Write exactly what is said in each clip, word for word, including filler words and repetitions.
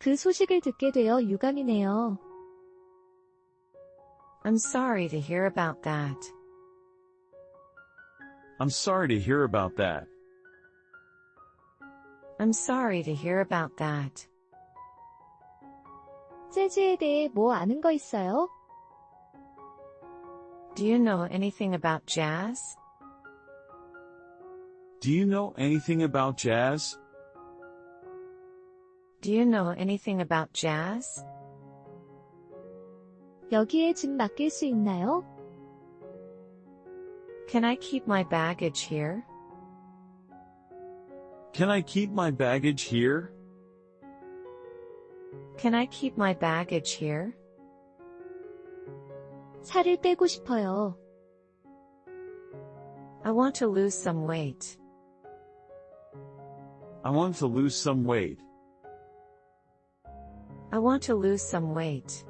그 소식을 듣게 되어 유감이네요. I'm sorry to hear about that. I'm sorry to hear about that. I'm sorry to hear about that. 재즈에 대해 뭐 아는 거 있어요? Do you know anything about jazz? Do you know anything about jazz? Do you know anything about jazz? 여기에 짐 맡길 수 있나요? Can I keep my baggage here? Can I keep my baggage here? Can I keep my baggage here? 살을 빼고 싶어요. I want to lose some weight. I want to lose some weight. I want to lose some weight.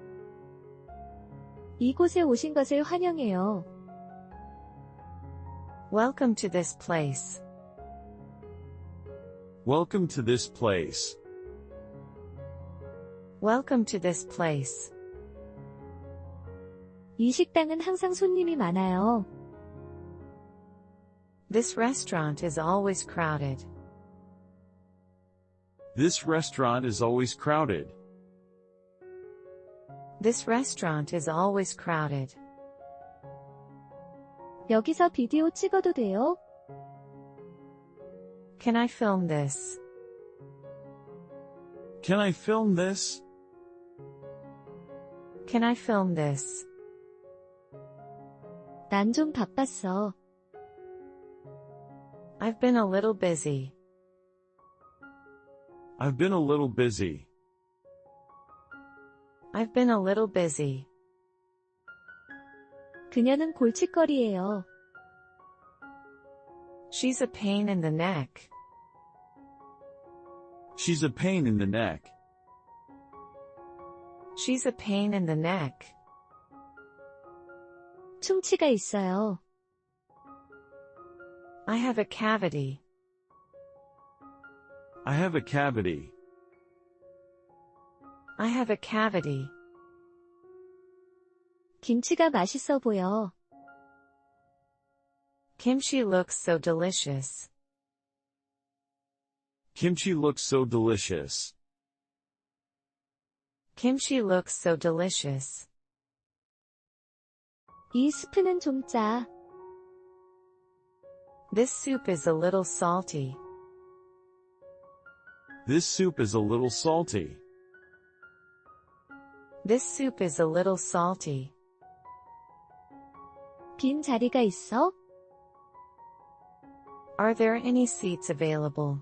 이곳에 오신 것을 환영해요. Welcome to this place. Welcome to this place. Welcome to this place. 이 식당은 항상 손님이 많아요. This restaurant is always crowded. This restaurant is always crowded. This restaurant is always crowded. 여기서 비디오 찍어도 돼요? Can I film this? Can I film this? Can I film this? 난 좀 바빴어. I've been a little busy. I've been a little busy. I've been a little busy. 그녀는 골칫거리예요. She's a pain in the neck. She's a pain in the neck. She's a pain in the neck. 충치가 있어요. I have a cavity. I have a cavity. I have a cavity. 김치가 맛있어 보여. Kimchi looks so delicious. Kimchi looks so delicious. Kimchi looks so delicious. 이 스프는 좀 짜. This soup is a little salty. This soup is a little salty. This soup is a little salty. 빈 자리가 있어? Are there any seats available?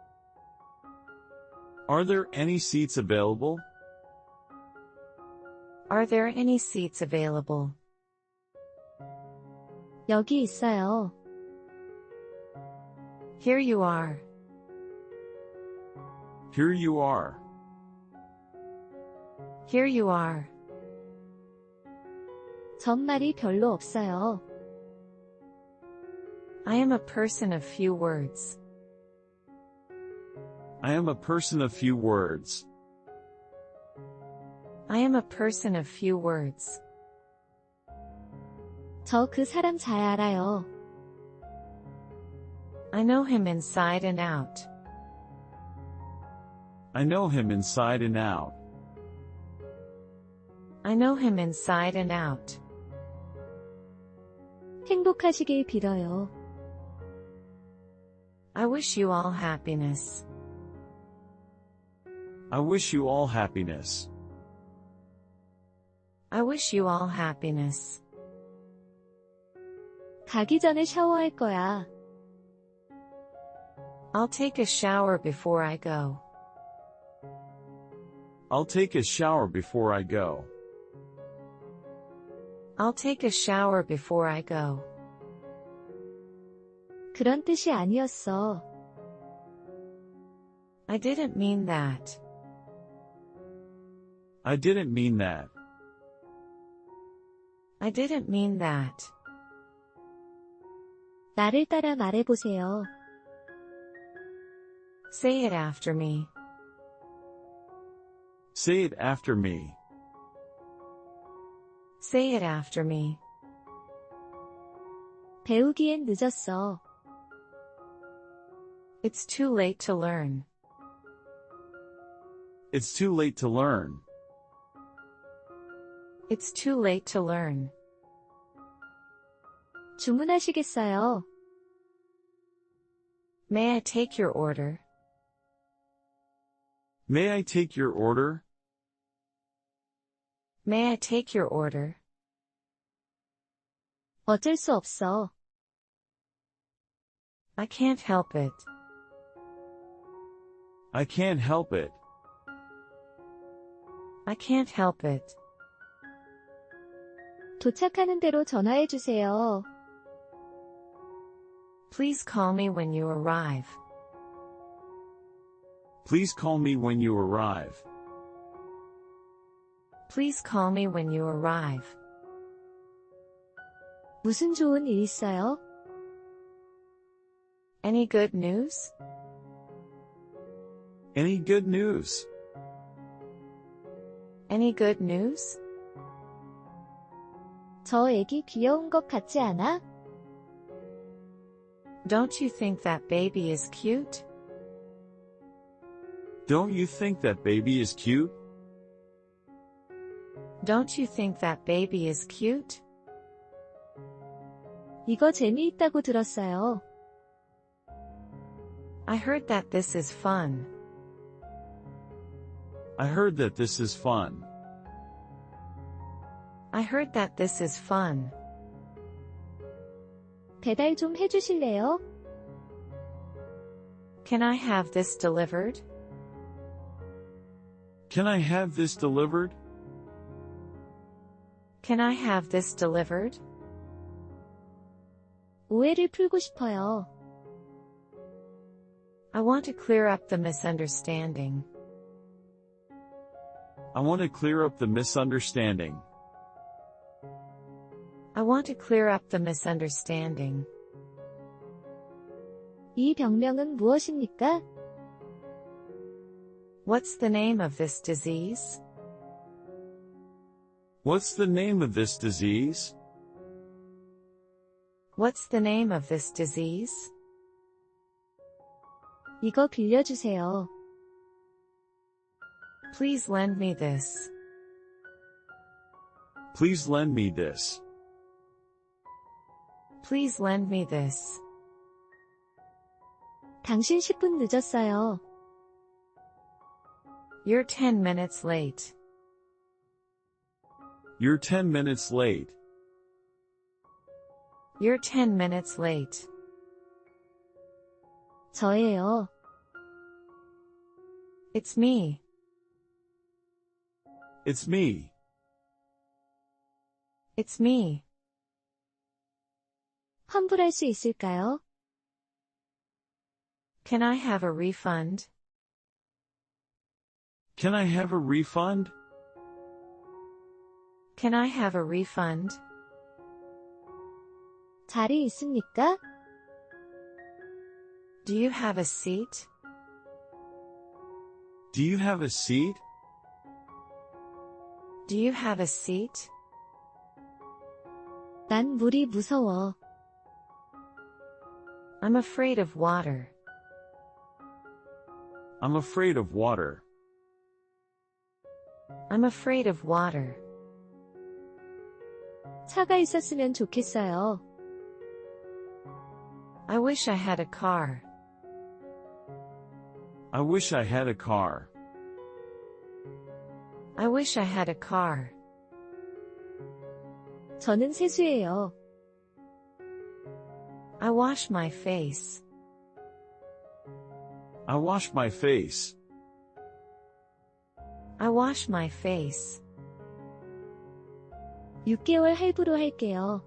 Are there any seats available? Are there any seats available? 여기 있어요. Here you are. Here you are. Here you are. 전 말이 별로 없어요. I am a person of few words. I am a person of few words. I am a person of few words. 저 그 사람 잘 알아요. I know him inside and out. I know him inside and out. I know him inside and out. 행복하시길 빌어요. I wish you all happiness. I wish you all happiness. I wish you all happiness. 가기 전에 샤워할 거야. I'll take a shower before I go. I'll take a shower before I go. I'll take a shower before I go. 그런 뜻이 아니었어. I didn't mean that. I didn't mean that. I didn't mean that. 나를 따라 말해보세요. Say it after me. Say it after me. Say it after me. 배우기엔 늦었어. It's too late to learn. It's too late to learn. It's too late to learn. 주문하시겠어요? May I take your order? May I take your order? May I take your order? 어쩔 수 없어. I can't help it. I can't help it. I can't help it. 도착하는 대로 전화해 주세요. Please call me when you arrive. Please call me when you arrive. Please call me when you arrive. 무슨 좋은 일 있어요? Any good news? Any good news? Any good news? 저 애기 귀여운 것 같지 않아? Don't you think that baby is cute? Don't you think that baby is cute? Don't you think that baby is cute? 이거 재미있다고 들었어요. I heard that this is fun. I heard that this is fun. I heard that this is fun. 배달 좀 해주실래요? Can I have this delivered? Can I have this delivered? Can I have this delivered? 오해를 풀고 싶어요. I want to clear up the misunderstanding. I want to clear up the misunderstanding. I want to clear up the misunderstanding. 이 병명은 무엇입니까? What's the name of this disease? What's the name of this disease? What's the name of this disease? 이거 빌려주세요. Please lend me this. Please lend me this. Please lend me this. 당신 십 분 늦었어요. You're ten minutes late. You're ten minutes late. You're ten minutes late. 저예요. It's me. It's me. It's me. 환불할 수 있을까요? Can I have a refund? Can I have a refund? Can I have a refund? 자리 있습니까? Do you have a seat? Do you have a seat? Do you have a seat? 난 물이 무서워. I'm afraid of water. I'm afraid of water. I'm afraid of water. 차가 있었으면 좋겠어요. I wish I had a car. I wish I had a car. I wish I had a car. 저는 세수예요. I wash my face. I wash my face. I wash my face. 육 개월 할부로 할게요.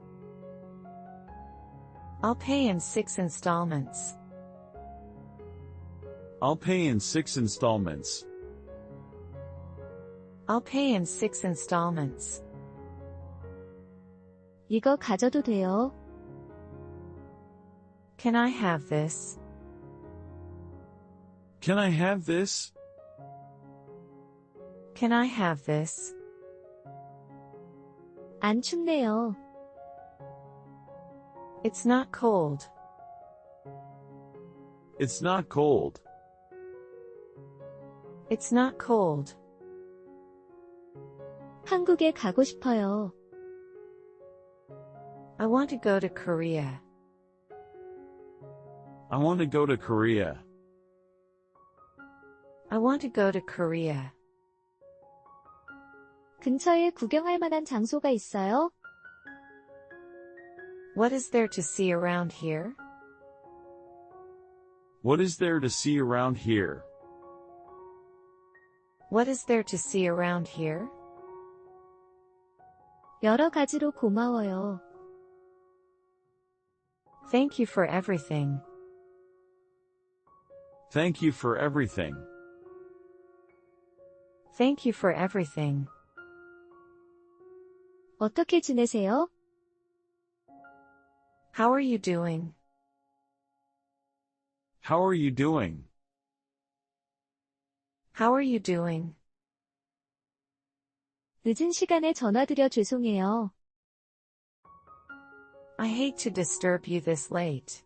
I'll pay in six installments. I'll pay in six installments. I'll pay in six installments. 이거 가져도 돼요. Can I have this? Can I have this? Can I have this? 안 춥네요. It's not cold. It's not cold. It's not cold. 한국에 가고 싶어요. I want to go to Korea. I want to go to Korea. I want to go to Korea. 근처에 구경할 만한 장소가 있어요? What is there to see around here? What is there to see around here? What is there to see around here? 여러 가지로 고마워요. Thank you for everything. Thank you for everything. Thank you for everything. 어떻게 지내세요? How are you doing? How are you doing? How are you doing? 늦은 시간에 전화드려 죄송해요. I hate to disturb you this late.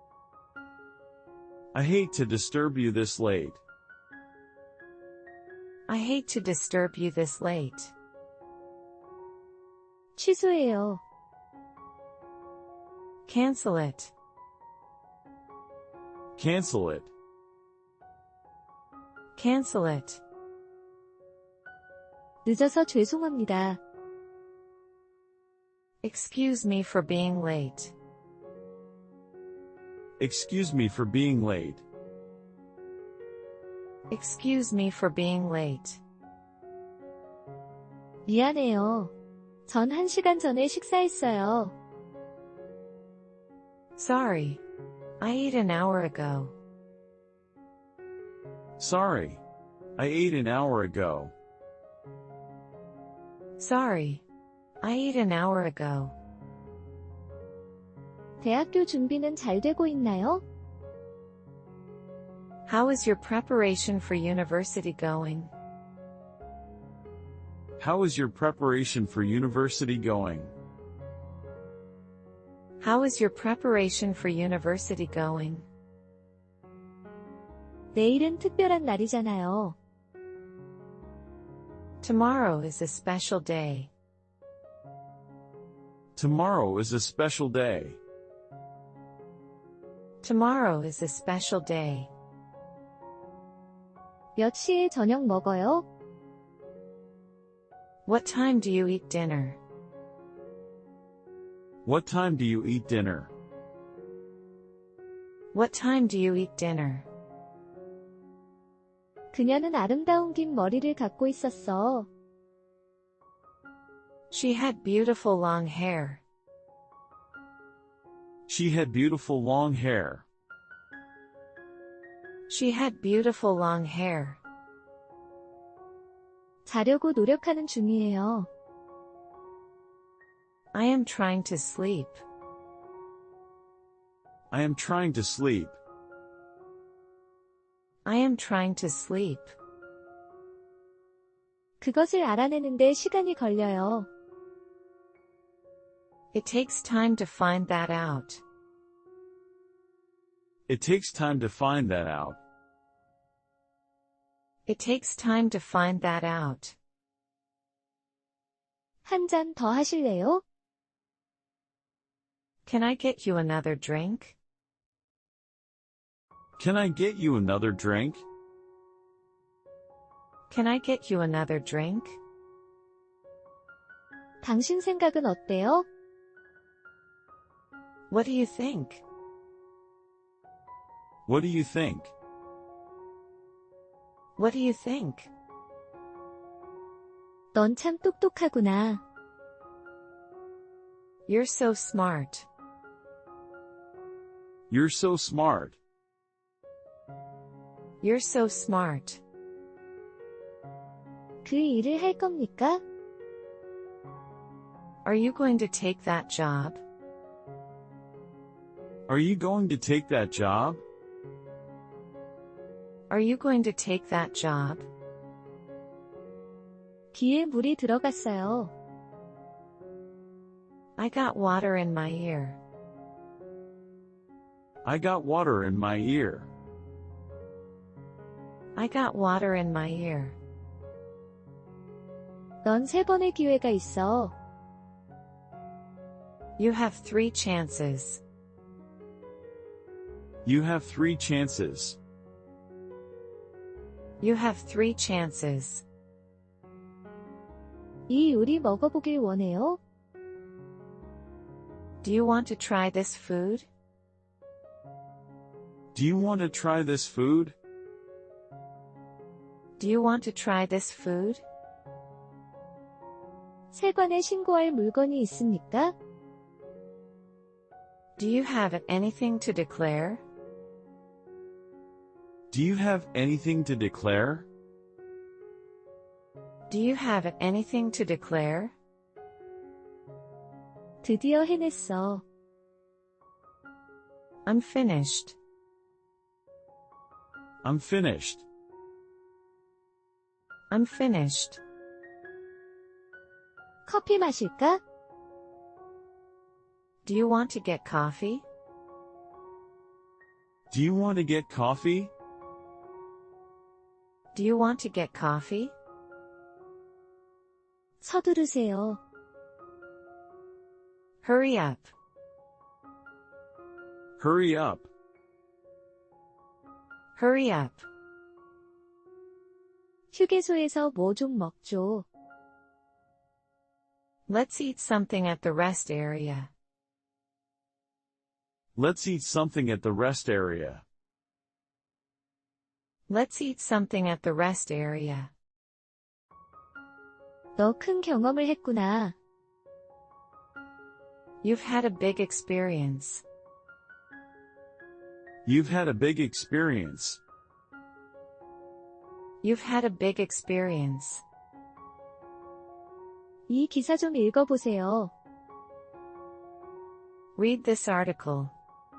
I hate to disturb you this late. I hate to disturb you this late. 취소해요. Cancel it. Cancel it. Cancel it. 늦어서 죄송합니다. Excuse me for being late. Excuse me for being late. Excuse me for being late. 미안해요. 전 한 시간 전에 식사했어요. Sorry. I ate an hour ago. Sorry. I ate an hour ago. Sorry. I ate an hour ago. 대학교 준비는 잘 되고 있나요? How is your preparation for university going? How is your preparation for university going? How is your preparation for university going? 내일은 특별한 날이잖아요. Tomorrow is a special day. Tomorrow is a special day. Tomorrow is a special day. 몇 시에 저녁 먹어요? What time do you eat dinner? What time do you eat dinner? What time do you eat dinner? 그녀는 아름다운 긴 머리를 갖고 있었어. She had beautiful long hair. She had beautiful long hair. She had beautiful long hair. 자려고 노력하는 중이에요. I am trying to sleep. I am trying to sleep. I am trying to sleep. 그것을 알아내는데 시간이 걸려요. It takes time to find that out. It takes time to find that out. It takes time to find that out. 한 잔 더 하실래요? Can I get you another drink? Can I get you another drink? Can I get you another drink? 당신 생각은 어때요? What do you think? What do you think? What do you think? 넌 참 똑똑하구나. You're so smart. You're so smart. You're so smart. 그 일을 할 겁니까? Are you going to take that job? Are you going to take that job? Are you going to take that job? 귀에 물이 들어갔어요. I got water in my ear. I got water in my ear. I got water in my ear. 넌 세 번의 기회가 있어. You have three chances. You have three chances. You have three chances. 이 요리 먹어보길 원해요? Do you want to try this food? Do you want to try this food? Do you want to try this food? 세관에 신고할 물건이 있습니까? Do you have anything to declare? Do you have anything to declare? Do you have anything to declare? 드디어 해냈어. I'm finished. I'm finished. I'm finished. 커피 마실까? Do you want to get coffee? Do you want to get coffee? Do you want to get coffee? 서두르세요. Hurry up. Hurry up. Hurry up. 휴게소에서 뭐 좀 먹죠. Let's eat something at the rest area. Let's eat something at the rest area. Let's eat something at the rest area. 너 큰 경험을 했구나. You've had a big experience. You've had a big experience. You've had a big experience. 이 기사 좀 읽어보세요. Read this article.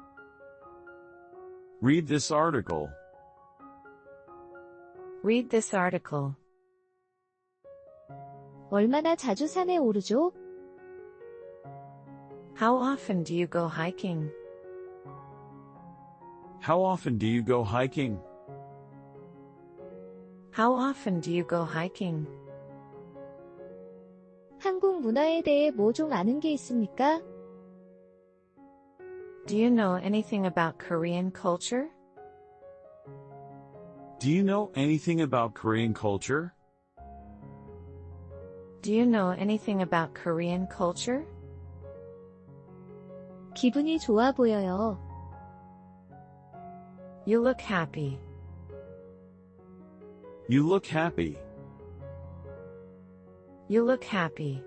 Read this article. Read this article. 얼마나 자주 산에 오르죠? How often do you go hiking? How often do you go hiking? How often do you go hiking? 한국 문화에 대해 뭐 좀 아는 게 있습니까? Do you know anything about Korean culture? Do you know anything about Korean culture? Do you know anything about Korean culture? 기분이 좋아 보여요. You look happy. You look happy. You look happy.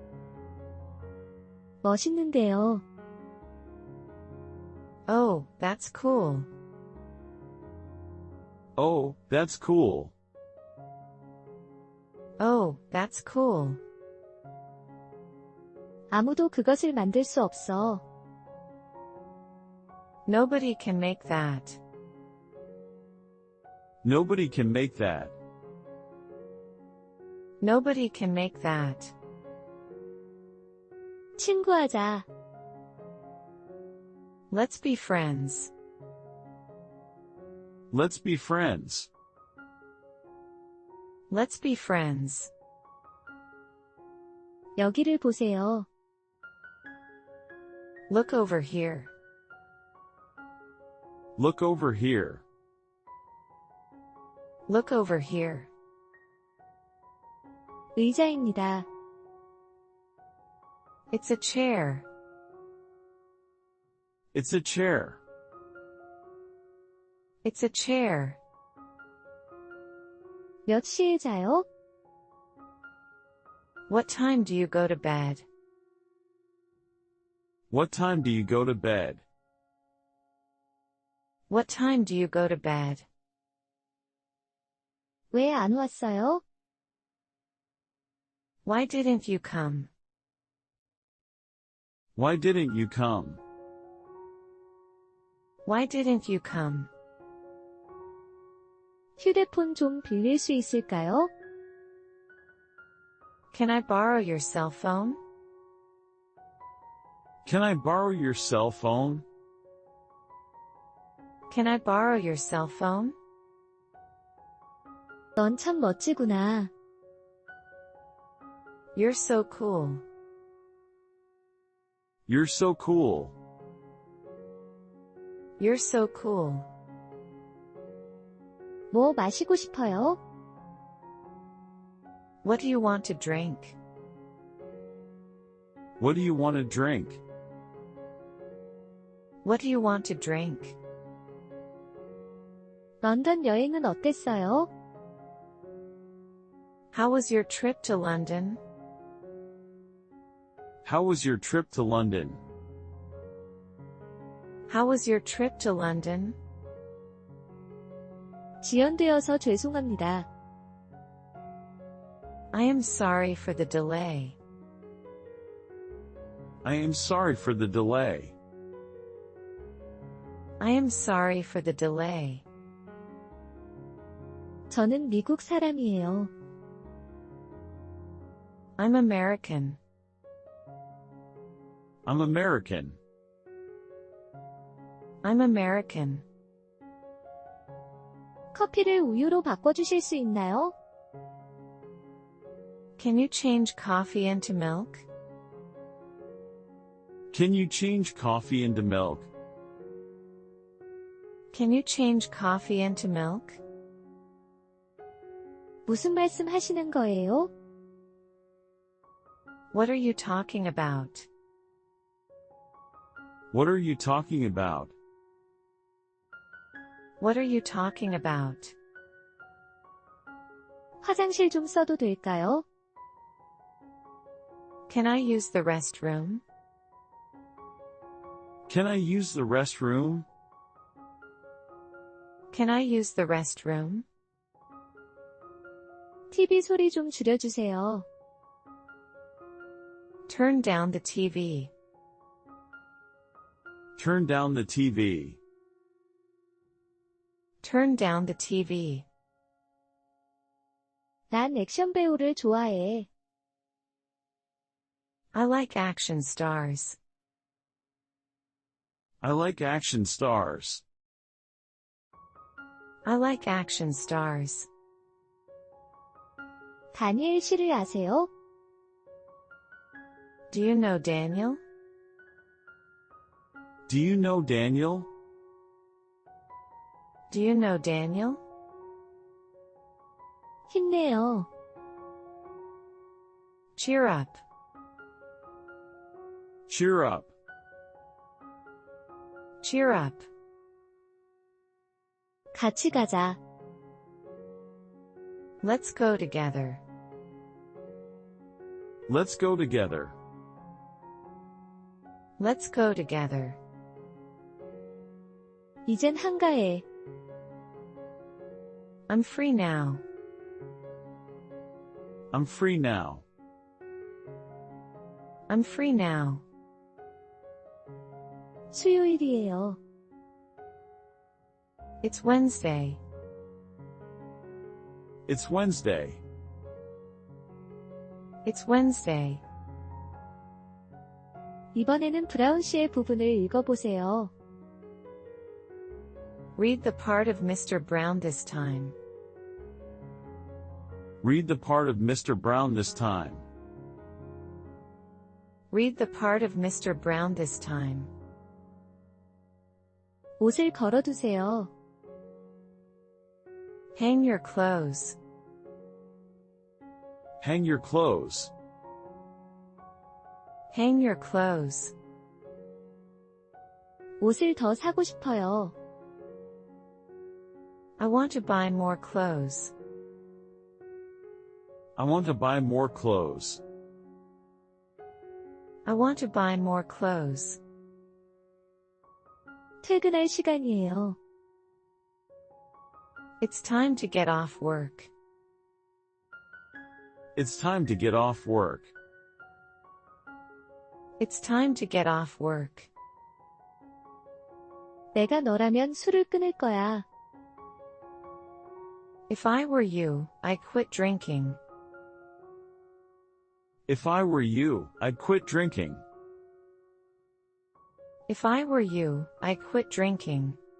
멋있는데요. Oh, that's cool. Oh, that's cool. Oh, that's cool. 아무도 그것을 만들 수 없어. Nobody can make that. Nobody can make that. Nobody can make that. 친구하자. Let's be friends. Let's be friends. Let's be friends. 여기를 보세요. Look over here. Look over here. Look over here. 의자입니다. It's a chair. It's a chair. It's a chair. 몇 시에 자요? What time do you go to bed? What time do you go to bed? What time do you go to bed? 왜 안 왔어요? Why didn't you come? Why didn't you come? Why didn't you come? 휴대폰 좀 빌릴 수 있을까요? Can I borrow your cell phone? Can I borrow your cell phone? Can I borrow your cell phone? 넌 참 멋지구나. You're so cool. You're so cool. You're so cool. 뭐 마시고 싶어요? What do you want to drink? What do you want to drink? What do you want to drink? 런던 여행은 어땠어요? How was your trip to London? How was your trip to London? How was your trip to London? 지연되어서 죄송합니다. I am sorry for the delay. I am sorry for the delay. I am sorry for the delay. 저는 미국 사람이에요. I'm American. I'm American. I'm American. 커피를 우유로 바꿔주실 수 있나요? Can you change coffee into milk? Can you change coffee into milk? Can you change coffee into milk? 무슨 말씀 하시는 거예요? What are you talking about? What are you talking about? What are you talking about? 화장실 좀 써도 될까요? Can I use the restroom? Can I use the restroom? Can I use the restroom? 티비 소리 좀 줄여주세요. Turn down the T V. Turn down the T V. Turn down the T V. 난 액션 배우를 좋아해. I like action stars. I like action stars. I like action stars. 다니엘 씨를 아세요? Do you know Daniel? Do you know Daniel? Do you know Daniel? 힘내요. Cheer up. Cheer up. Cheer up. 같이 가자. Let's go together. Let's go together. Let's go together. 이젠 한가해. I'm free now. I'm free now. I'm free now. 수요일이에요. It's Wednesday. It's Wednesday. It's Wednesday. 이번에는 브라운 씨의 부분을 읽어보세요. Read the part of Mister Brown this time. Read the part of Mister Brown this time. Read the part of Mister Brown this time. 옷을 걸어두세요. Hang your clothes. Hang your clothes. Hang your clothes. 옷을 더 사고 싶어요. I want to buy more clothes. I want to buy more clothes. I want to buy more clothes. 퇴근할 시간이에요. It's time to get off work. It's time to get off work. It's time to get off work. 내가 너라면 술을 끊을 거야. If I were you, I'd quit drinking. If I were you, I'd quit drinking. If I were you, I'd quit drinking.